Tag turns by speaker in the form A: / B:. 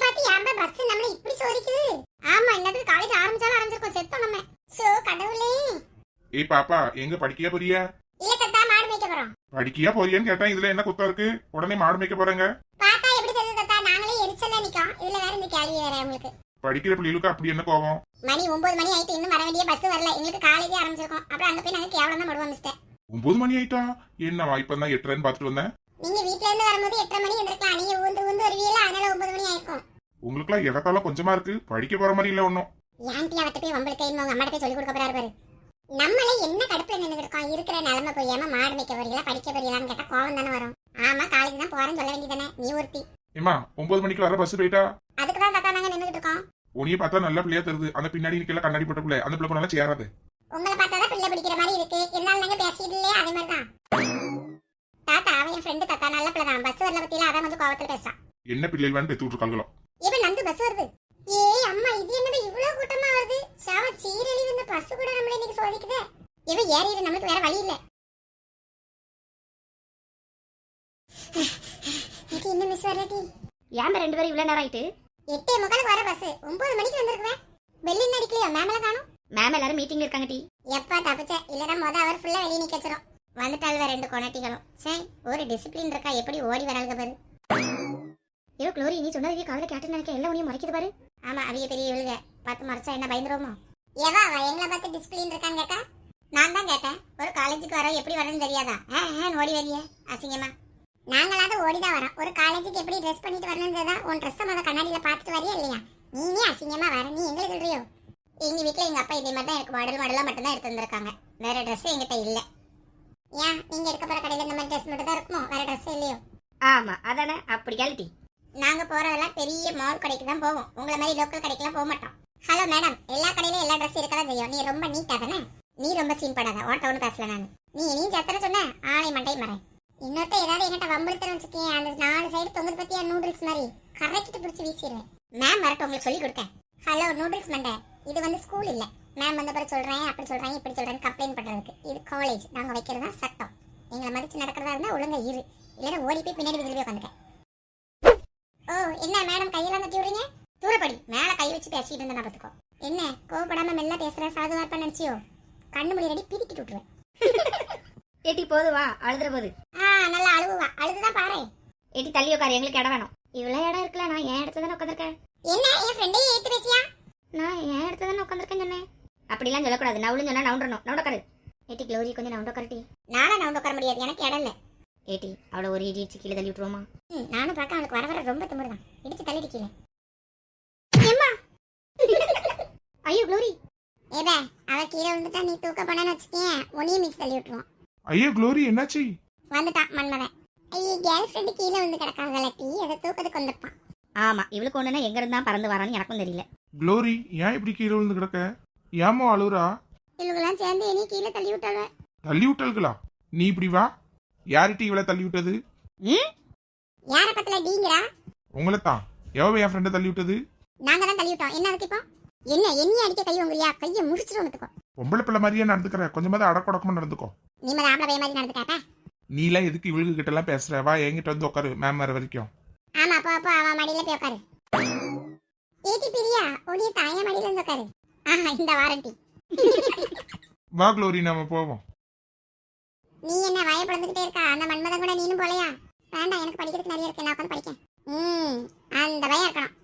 A: பார்த்து ஏன்பா பஸ் நம்மள இப்படி சோதிக்குது? ஆமா, இன்னதுக்கு காலேஜ் ஆரம்பிச்சாலும் ஆரம்பிச்சிருக்கோம், செத்தோம் நம்ம. சோ கடவுளே.
B: ஏய் பாப்பா, எங்க படிக்கியா போறியா?
A: இல்ல தத்தா, மாடு மேய்க்க போறோம்.
B: படிக்கியா போறியான்னு கேட்டா இதுல என்ன குத்தம் இருக்கு? உடனே மாடு மேய்க்க போறேங்க.
A: பாத்தா எப்படி தெரியுது தத்தா? நாங்களே எரிச்சல்ல நிக்கோம், இதுல வேற இந்த கேள்வி வேற உங்களுக்கு.
B: படிக்கிற பிள்ளைகளுக்கு அப்படி என்ன கோவம்?
A: மணி 9 மணி ஆயிட்டு, இன்னும் வர வேண்டிய பஸ் வரல. எங்களுக்கு காலேஜே ஆரம்பிச்சிருக்கோம். அப்புறம் அங்க போய் நாங்க கேவலம் தான் படுவோம் மிஸ்டர்.
B: 9 மணி ஆயிட்டா? என்னவா இப்பதான் 8:30 பாத்துட்டு வந்தேன்.
A: நீங்க வீட்ல இருந்து வரும்போது 8:30 மணி எந்திரக்கலாம். நீங்க ஊந்து வருவீங்களா, அதனால 9 மணி ஆயிருக்கும்.
B: உங்களுக்குலாம் இடத்தால கொஞ்சமா இருக்கு, படிக்க போற மாதிரி இல்ல ஒன்னும்.
A: ஏன்டி அவட்ட போய் வம்பளுக்கு உங்க அம்மாட்ட போய் சொல்லி கொடுக்க போறாரு பாரு. நம்மளே என்ன கடுப்புல நின்று இருக்கோம், இருக்கிற நிலைமை போயாம மாடு மேய்க்க போறீங்களா படிக்க போறீங்களான்னு கேட்டா கோவம் தானே வரும். ஆமா, காலேஜ் தான் போறேன்னு சொல்ல வேண்டியதானே, நீ ஒருத்தி.
B: ஏமா 9 மணிக்கு வர பஸ் போயிட்டா?
A: அதுக்கு தான் தாத்தா நாங்க நின்னுட்டு இருக்கோம்.
B: உனிய பார்த்தா நல்ல பிள்ளையா தெரியுது, அந்த பின்னாடி நிக்கல கண்ணாடி போட்ட பிள்ளை, அந்த பிள்ளை நல்லா சேராது.
A: உங்களை பார்த்தாதான் பிள்ளை பிடிக்கிற மாதிரி இருக்கு, இருந்தாலும் நாங்க பேசிட்டு இல்லையே, அதே மாதிரி தான். தாத்தா அவன் என் ஃப்ரெண்டு தாத்தா, நல்ல பிள்ளை தான். பஸ் வரல பத்தியில அதான் கொஞ்சம் கோவத்துல பேசுறான்.
B: என்ன பிள்ளைகள் வேணும் பெத்து விட்டுருக்காங்களோ.
A: இப்ப நந்து பஸ் வருது. ஏய் அம்மா, இது என்னது இவ்வளவு கூட்டமா வருது? சாவ சீரழி, இந்த பஸ் கூட நம்மள இன்னைக்கு சோதிக்குதே. இவ ஏறிடு, நமக்கு வேற வழி இல்ல. இது என்ன மிஸ் வரடி?
C: ஏன் ரெண்டு பேரும் இவ்வளவு நேரம் ஆயிட்டு?
A: 8:45 வர பஸ், 9 மணிக்கு வந்திருக்கேன். பெல் இன்னும் அடிக்கலையா? மேமல காணோம்.
C: மேம் எல்லாரும் மீட்டிங்ல இருக்காங்க டி.
A: எப்பா தப்பிச்ச, இல்லனா அவர் ஃபுல்லா வெளிய நிக்க வச்சிரும். வந்துட்டால்வ ரெண்டு கொனட்டிகளும். சரி, ஒரு டிசிப்ளின் இருக்கா, எப்படி ஓடி வராளுக பாரு.
C: ஐயோ க்ளோரி, நீ சொன்னதுக்கு காதுல கேட்டு நினைக்க எல்லாம் உனியும் மறைக்குது பாரு.
A: ஆமா, அவிய பெரிய இவளுக பார்த்து மறைச்சா என்ன பயந்துருவோமோ? ஏவா எங்களை பார்த்து டிசிப்ளின் இருக்கான்னு கேட்டா நான் தான் கேட்டேன். ஒரு காலேஜுக்கு வர எப்படி வரணும்னு தெரியாதா? ஓடி வரிய அசிங்கமா. நாங்களாவது ஓடிதான் வரோம். ஒரு காலேஜுக்கு எப்படி ட்ரெஸ் பண்ணிட்டு வரணும்ன்றதா உன் ட்ரெஸ் முத கண்ணாடியில பார்த்துட்டு வரியா இல்லையா? நீனே அசிங்கமா வர, நீ எங்களை சொல்றியோ? எங்க வீட்டுல எங்க அப்பா இதே மாதிரி தான் எனக்கு மாடலா மட்டும்தான் எடுத்து வந்திருக்காங்க. வேற ட்ரெஸ் எங்கிட்ட இல்ல. ஏன் நீங்க எடுக்க போற கடையில இந்த மாதிரி ட்ரெஸ் மட்டும் தான் இருக்குமோ, வேற ட்ரெஸ் இல்லையோ?
C: ஆமா அதானே, அப்படி கேள்வி.
A: நாங்க போறதெல்லாம் பெரிய மால் கடைக்கு தான் போவோம், உங்களை மாதிரி லோக்கல் கடைக்கெல்லாம் போக மாட்டோம். ஹலோ மேடம், எல்லா கடையிலும் எல்லா ட்ரெஸ் இருக்கதான் செய்யும். நீ ரொம்ப நீட்டா தானே? நீ ரொம்ப சீன் படாத, ஓட்டவுன்னு பேசல நான். நீ சத்தன சொன்ன ஆளை மண்டை மறேன். இன்னொருத்த ஏதாவது என்கிட்ட வம்பளுத்தரம் வச்சுக்கேன், அந்த 4 சைடு தொங்குது பத்தியா நூடுல்ஸ் மாதிரி கரெக்ட் பிடிச்சி வீசிடுவேன். மேம் வரட்டும், உங்களுக்கு சொல்லி கொடுத்தேன். ஹலோ நூடுல்ஸ் மண்டை, இது வந்து ஸ்கூல் இல்ல. மேம் வந்த பிறகு சொல்றேன், அப்படி சொல்றேன், இப்படி சொல்றேன்னு கம்ப்ளைண்ட் பண்றதுக்கு. இது காலேஜ், நாங்க வைக்கிறதா சட்டம். எங்களை மதிச்சு நடக்கிறதா இருந்தா ஒழுங்கா இரு, இல்லைன்னா ஓடி போய் பின்னாடி விதில் போய் உட்காந்துட்டேன். ஓ என்ன மேடம் கையெல்லாம் தட்டி விடுறீங்க? தூரப்படி, மேல கை வச்சு பேசிட்டு இருந்தா பார்த்துக்கோ. என்ன கோவப்படாம மெல்ல பேசுற, சாதுவா இருப்பா நினைச்சியோ? கண்ணு மொழி ரெடி பிரிக்கிட்டு விட்டுருவேன்.
C: ஏட்டி போதுவா, அழுதுற போது.
A: நல்லா அழுவா, அழுதுதான் பாரு.
C: ஏட்டி தள்ளி உட்காரு, எங்களுக்கு இடம் வேணும். இவ்வளவு இடம் இருக்குல்ல, நான் என் இடத்துல தானே உட்காந்துருக்கேன்.
A: என்ன என் ஃப்ரெண்டே ஏத்து பேசியா?
C: நான் என் இடத்துல தானே உட்காந்துருக்கேன் சொன்னேன். அப்படிலாம் சொல்லக்கூடாது, நவுளுன்னு சொன்னா நவுண்டணும். நவுண்டக்காரு ஏட்டி, க்ளோரி கொஞ்சம் நவுண்டக்காரட்டி.
A: நானும் நவுண்டு உட்கார முடியாது, எனக்கு இடம் இல்ல.
C: ஏட்டி அவளை ஒரு இடி கீழே தள்ளி விட்டுருவோமா?
A: நானும் பார்க்க அவனுக்கு வர ரொம்ப திமிருதான், இடிச்சு தள்ளிட்டு கீழே.
C: ஐயோ க்ளோரி,
A: ஏபே அவ கீழே விழுந்துட்டா, நீ தூக்க போனேன்னு வச்சுக்கேன், உன்னையும் மிக்ஸ் தள்ளி விட்டுருவான்.
B: ஐயோ க்ளோரி, என்னாச்சு?
A: வந்துட்டான் மன்மதன். ஐயோ கேர்ள் ஃப்ரெண்டு கீழே விழுந்து கிடக்காங்கல்ல, டீ அதை தூக்கத்துக்கு வந்திருப்பான்.
C: ஆமா, இவளுக்கு ஒண்ணுன்னா எங்க இருந்தா பறந்து வரான்னு எனக்கும் தெரியல.
B: க்ளோரி, ஏன் இப்படி கீழே விழுந்து கிடக்க? ஏமோ அழுறா?
A: இவங்கெல்லாம் சேர்ந்து என்னைய கீழே தள்ளி விட்டாங்க.
B: தள்ளி விட்டல்களா? நீ இப்படி வா. யார்கிட்ட இவளை தள்ளி விட்டது?
A: யார பத்தல டீங்கரா?
B: உங்களைத்தான். எவ என் ஃப்ரெண்டை தள்ளி விட்டது?
A: நாங்க தான் தள்ளி விட்டோம். என்ன அதுக்கு இப்போ? என்ன என்னைய அடிக்க கை உங்கறியா? கையை முடிச்சிட்டு வந்துக்கோ.
B: பொம்பளை பிள்ளை மாதிரியே நடந்துக்கிற, கொஞ்சமாவது அடக்கொடக்கமா நடந்துக்கோ.
A: நீ மாதிரி ஆம்பளை பையன் மாதிரி நடந்துக்காப்பா.
B: நீ எல்லாம் எதுக்கு இவளுக்கு கிட்ட எல்லாம் பேசுற? வா என்கிட்ட வந்து உட்காரு, மேம் வர வரைக்கும்.
A: ஆமா, அப்போ அவன் மடியில போய் உட்காரு. ஏடி பிரியா, உடைய தாய மடியில இருந்து உட்காரு. இந்த வாரண்டி.
B: வா க்ளோரி, நாம போவோம்.
A: நீ என்ன வாயை பிளந்துகிட்டே இருக்கா? அந்த மன்மதன் கூட நீனும் போலையா? வேண்டாம், எனக்கு படிக்கிறதுக்கு நிறைய இருக்கு, நான் உட்காந்து படிக்கேன். அந்த பையன் இருக்கணும்.